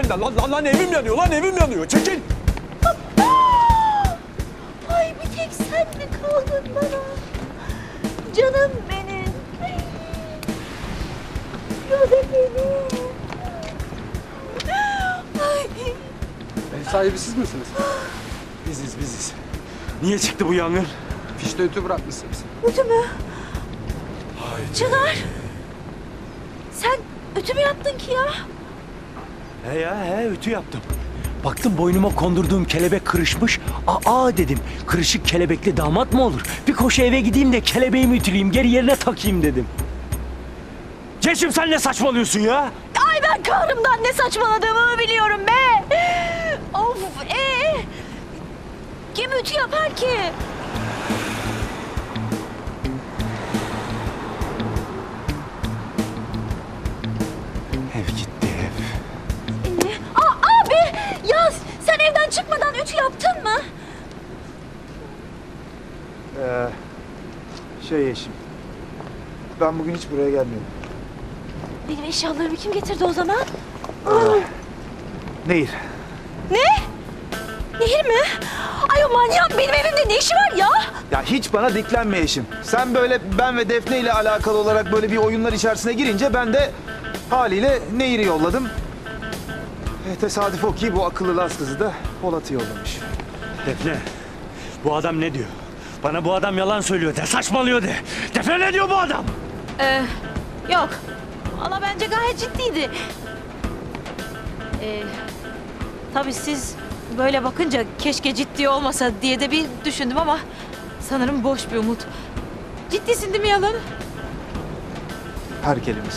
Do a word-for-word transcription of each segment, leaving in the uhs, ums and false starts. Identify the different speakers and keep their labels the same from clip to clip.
Speaker 1: benden. Lan, lan, lan evim yanıyor, lan evim yanıyor. Çekil.
Speaker 2: Ay bir tek sen mi kaldın bana? Canım benim. Canım benim. Ay.
Speaker 3: Ev sahibi siz misiniz?
Speaker 1: Biziz, biziz. Niye çıktı bu yangın?
Speaker 3: Fişte ütü bırakmışsınız.
Speaker 2: Ütü mü? Çınar. Sen ütü mü yaptın ki ya?
Speaker 1: He ya, he ütü yaptım. Baktım boynuma kondurduğum kelebek kırışmış. Aa dedim, kırışık kelebekli damat mı olur? Bir koşu eve gideyim de kelebeğimi ütüleyeyim, geri yerine takayım dedim. Ceşim sen ne saçmalıyorsun ya?
Speaker 2: Ay ben kahrımdan ne saçmaladığımı biliyorum be. Of ee. Kim ütü yapar ki?
Speaker 1: Ev gitti ev.
Speaker 2: Ne? Aa, abi ya sen evden çıkmadan ütü yaptın mı?
Speaker 4: Ee, şey eşim. Ben bugün hiç buraya gelmedim.
Speaker 2: Benim eşyalarımı kim getirdi o zaman?
Speaker 4: Nehir.
Speaker 2: Ne? Nehir mi? Ay o manyak benim evimde ne işi var ya?
Speaker 4: Ya hiç bana diklenme eşim. Sen böyle ben ve Defne ile alakalı olarak böyle bir oyunlar içerisine girince ben de haliyle Nehir'i yolladım. E, tesadüf o ki bu akıllı Laz kızı da Polat'ı yollamış.
Speaker 1: Defne, bu adam ne diyor? Bana bu adam yalan söylüyor de, saçmalıyor de. Defne ne diyor bu adam?
Speaker 2: Ee, yok. Valla bence gayet ciddiydi. Ee, tabii siz böyle bakınca keşke ciddi olmasa diye de bir düşündüm ama sanırım boş bir umut. Ciddisin değil mi yalan?
Speaker 4: Her kelimesi.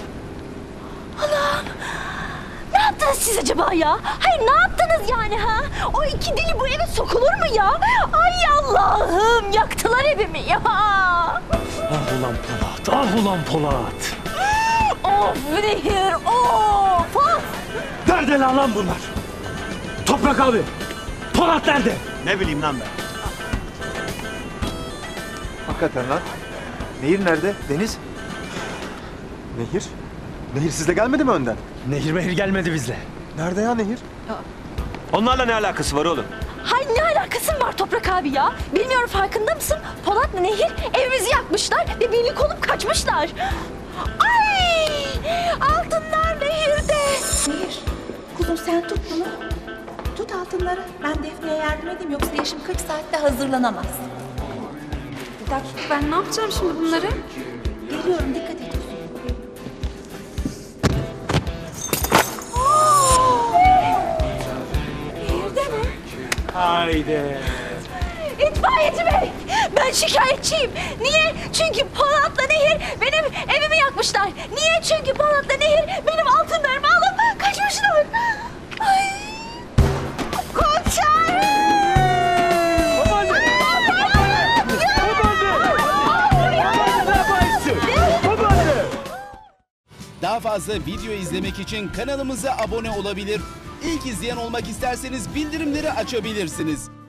Speaker 2: Ne yaptınız siz acaba ya? Hayır ne yaptınız yani ha? O iki deli bu eve sokulur mu ya? Ay Allah'ım yaktılar evimi ya.
Speaker 1: Ah ulan Polat, ah ulan Polat.
Speaker 2: Of Nehir of of.
Speaker 1: Nerede lan lan bunlar? Toprak abi, Polat nerede?
Speaker 5: Ne bileyim lan ben.
Speaker 4: Hakikaten lan. Nehir nerede? Deniz?
Speaker 5: Nehir? Nehir sizle gelmedi mi önden?
Speaker 1: Nehir mehir gelmedi bizle.
Speaker 5: Nerede ya Nehir? Onlarla ne alakası var oğlum?
Speaker 2: Hay ne alakası var Toprak abi ya? Bilmiyorum farkında mısın? Polat'la Nehir evimizi yakmışlar ve birlik olup kaçmışlar. Ay! Altınlar Nehir'de.
Speaker 6: Nehir, kuzum sen tut bunu. Tut altınları. Ben Defne'ye yardım edeyim yoksa Yeşim kırk saatte hazırlanamaz.
Speaker 7: Bir dakika ben ne yapacağım şimdi bunları?
Speaker 6: Geliyorum dikkat et.
Speaker 2: Nehir'de mi?
Speaker 1: Haydi.
Speaker 2: İtfaiyeci bey, ben şikayetçiyim. Niye? Çünkü Polat'la Nehir benim evimi yakmışlar. Niye? Çünkü Polat'la Nehir benim altınlarımı alıp kaçmışlar. Ay! Komiser!
Speaker 8: Daha fazla video izlemek için kanalımıza abone olabilir. İlk izleyen olmak isterseniz bildirimleri açabilirsiniz.